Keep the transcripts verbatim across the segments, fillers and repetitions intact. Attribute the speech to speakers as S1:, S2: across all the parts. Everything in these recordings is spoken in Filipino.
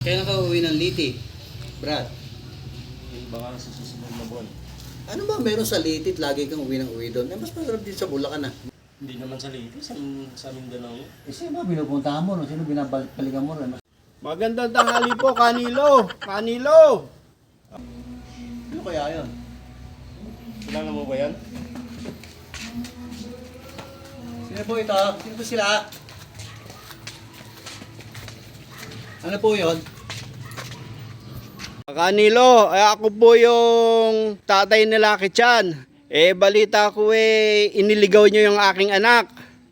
S1: Kaya nakauwi ng Liti, Brad.
S2: Yung baka sa susunod na buwan.
S1: Ano ba meron sa Liti at lagi kang uwi ng uwi doon? Eh, mas masarap din sa Bulacan ah.
S2: Hindi naman sa Leyte, sa, sa Mindanao.
S1: Eh, sino ba binupuntahan mo? No? Sino binabalikan mo? No?
S2: Magandang tanghali po, Kanilo! Kanilo!
S1: Ano kaya yun?
S2: Kilala mo ba yan?
S1: Sino po ito? Sino po sila? Ano po yun?
S2: Kanilo, eh, ako po yung tatay ni Lucky Chan. Eh, balita ko eh, iniligaw nyo yung aking anak.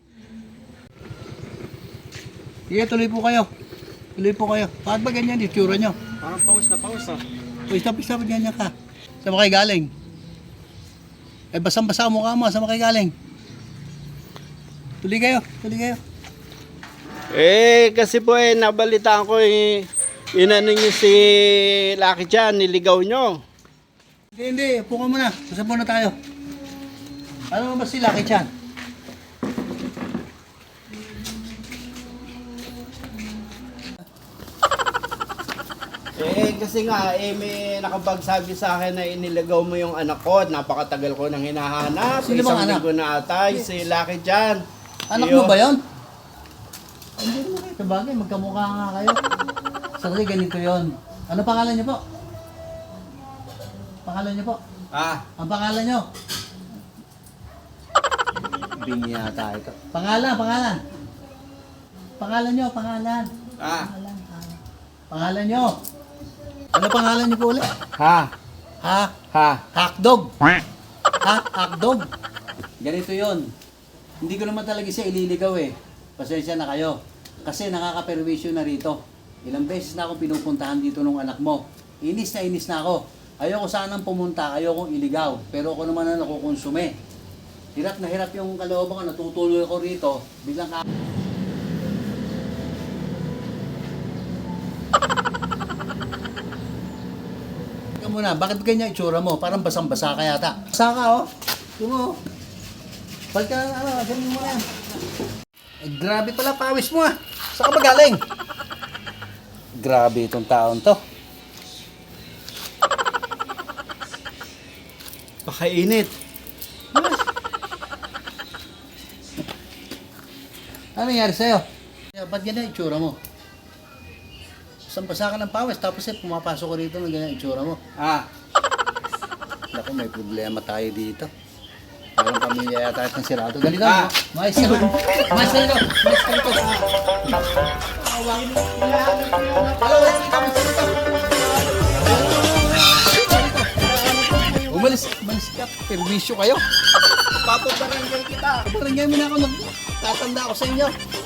S1: Sige, tuloy po kayo. Tuloy po kayo. Bakit ba ganyan yung tsura nyo?
S2: Parang paus na paus ah.
S1: Uy, stop, stop, ganyan ka. Saan mo kayo galing? Eh, basang-basa ang mukha mo. Saan mo kayo galing? Tuloy kayo, tuloy kayo.
S2: Eh, kasi po eh, nabalitaan ko eh, inano nyo si Lucky Chan, niligaw nyo.
S1: Hindi, hindi. Upo ka muna. Usap muna tayo. Ano ba si Lucky Chan?
S2: Eh, kasi nga, eh, may nakapagsabi sa akin na iniligaw mo yung anak ko. Napakatagal ko nang hinahanap.
S1: Sino bang
S2: Isang
S1: anak?
S2: linggo na ata, si Lucky Chan.
S1: Anak
S2: Iyo.
S1: mo ba yun? Hindi naman kayo. Sabagay, magkamukha nga kayo. Sorry, ganito yon. Ano pangalan niyo po? Pangalan niyo po?
S2: Ah,
S1: Ang pangalan niyo? Bingi yata ito. Pangalan, pangalan. Pangalan niyo, pangalan.
S2: ah,
S1: Pangalan, ah. Pangalan niyo. Ano pangalan niyo po ulit?
S2: ha,
S1: Ha?
S2: ha.
S1: Hakdog. Ha? Hakdog. Ganito yon. Hindi ko naman talaga siya ililigaw eh. Pasensya na kayo. Kasi nakaka-perwisyo na rito. Ilang beses na akong pinupuntahan dito ng anak mo. Inis na inis na ako. Ayoko sanang pumunta, ayokong iligaw. Pero ako naman na nakukonsume. Hirap na hirap yung kalooban ko, natutuloy ako rito. Biglang ka... Teka muna, bakit ganyan itsura mo? Parang basang-basa ka yata. Basa ka oh. Tungo. Balik ka na, ano, ganyan mo na yan. Eh, grabe pala pawis mo ah. Saan ka ba galing? Grabe itong taon to.
S2: Pakainit.
S1: Ano nangyari sa'yo? Ba't ganyan itsura mo? Basang-basa ka ng pawis, tapos eh, pumapasok ko rito ng ganyan itsura mo.
S2: Ah,
S1: Naku, may problema tayo dito. Parang pamilya yata ng sirado. Ganito,
S2: Ah.
S1: mais ka na. Mais ka dito. Mais ka dito. Umalis, umalis ka. Perwisyo kayo.
S2: papabarangay kita.
S1: Parang ganyan mo na ako. Nagtatanda ako sa inyo.